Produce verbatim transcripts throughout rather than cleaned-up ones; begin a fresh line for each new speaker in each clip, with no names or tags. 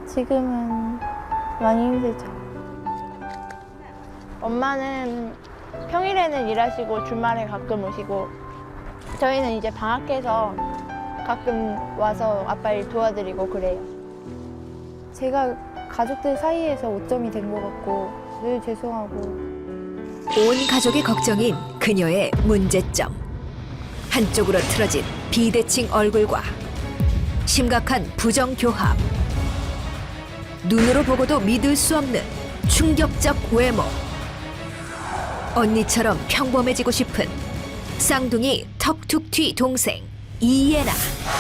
지금은 많이 힘들죠. 엄마는 평일에는 일하시고 주말에 가끔 오시고 저희는 이제 방학해서 가끔 와서 아빠 일 도와드리고 그래요. 제가 가족들 사이에서 오점이 된 것 같고 늘 죄송하고
온 가족의 걱정인 그녀의 문제점. 한쪽으로 틀어진 비대칭 얼굴과 심각한 부정교합. 눈으로 보고도 믿을 수 없는 충격적 외모. 언니처럼 평범해지고 싶은 쌍둥이 턱툭튀 동생 이예나.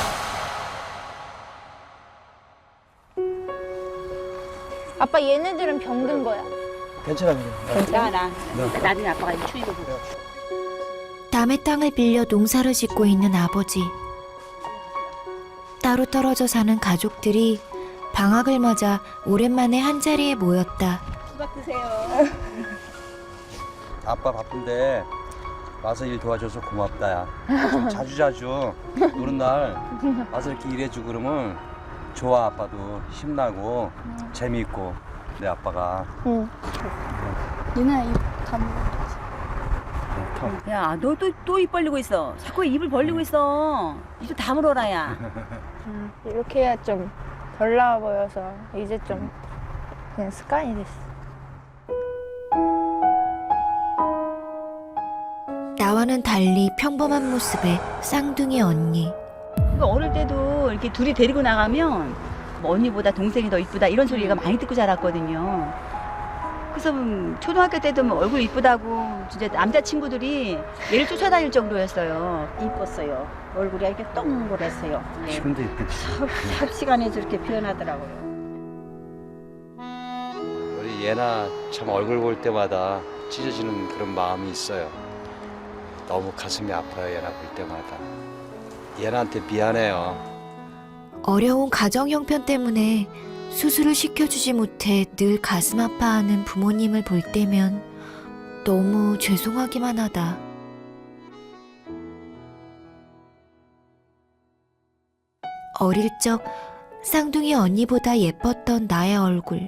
아빠 얘네들은 병든 거야.
괜찮아, 괜찮아.
나, 나. 나중에 아빠가 이 추위도 보고.
남의 땅을 빌려 농사를 짓고 있는 아버지. 따로 떨어져 사는 가족들이 방학을 맞아 오랜만에 한자리에 모였다.
수박 드세요.
아빠 바쁜데 와서 일 도와줘서 고맙다, 야. 좀 자주 자주 노는 날 와서 이렇게 일해주고 그러면 좋아. 아빠도 힘나고 재미있고 내 아빠가.
응. 얘네 입다 물어.
야, 너 또 또 입 벌리고 있어. 자꾸 입을 벌리고 있어. 이제 다 물어라, 야.
음, 이렇게 해야 좀 덜 나와 보여서 이제 좀 그냥 습관이 됐어.
나와는 달리 평범한 모습의 쌍둥이 언니.
그 어릴 때도 이렇게 둘이 데리고 나가면 뭐 언니보다 동생이 더 이쁘다 이런 소리가 많이 듣고 자랐거든요. 그래서 음, 초등학교 때도 뭐 얼굴 이쁘다고 진짜 남자친구들이 얘를 쫓아다닐 정도였어요.
이뻤어요. 얼굴이 이렇게 동그랬어요. 네.
지금도 이쁘지.
삽시간에 저렇게 변하더라고요.
우리 예나 참 얼굴 볼 때마다 찢어지는 그런 마음이 있어요. 너무 가슴이 아파요, 예나 볼 때마다. 예나한테 미안해요.
어려운 가정 형편 때문에 수술을 시켜주지 못해 늘 가슴 아파하는 부모님을 볼 때면 너무 죄송하기만 하다. 어릴 적 쌍둥이 언니보다 예뻤던 나의 얼굴.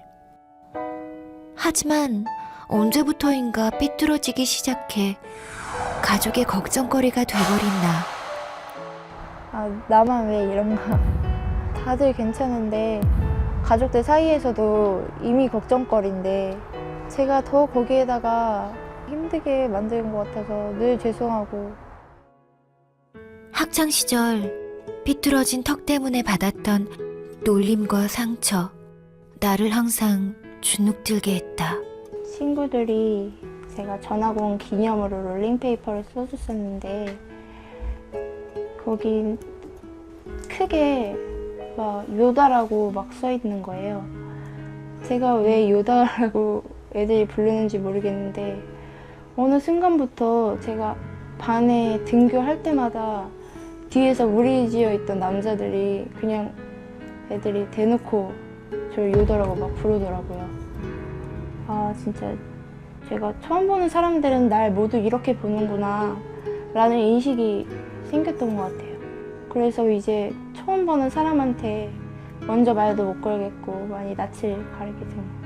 하지만 언제부터인가 삐뚤어지기 시작해 가족의 걱정거리가 돼버린 나.
아, 나만 왜 이런가. 다들 괜찮은데 가족들 사이에서도 이미 걱정거리인데 제가 더 거기에다가 힘들게 만드는 것 같아서 늘 죄송하고.
학창시절 삐뚤어진 턱 때문에 받았던 놀림과 상처, 나를 항상 주눅들게 했다.
친구들이 제가 전학 온 기념으로 롤링페이퍼를 써줬었는데 거긴 크게 막 요다라고 막 써있는 거예요. 제가 왜 요다라고 애들이 부르는지 모르겠는데 어느 순간부터 제가 반에 등교할 때마다 뒤에서 무리지어 있던 남자들이 그냥 애들이 대놓고 저를 요다라고 막 부르더라고요. 아 진짜 제가 처음 보는 사람들은 날 모두 이렇게 보는구나 라는 인식이 생겼던 것 같아요. 그래서 이제 처음 보는 사람한테 먼저 말도 못 걸겠고 많이 낯을 가리게 된 것 같아요.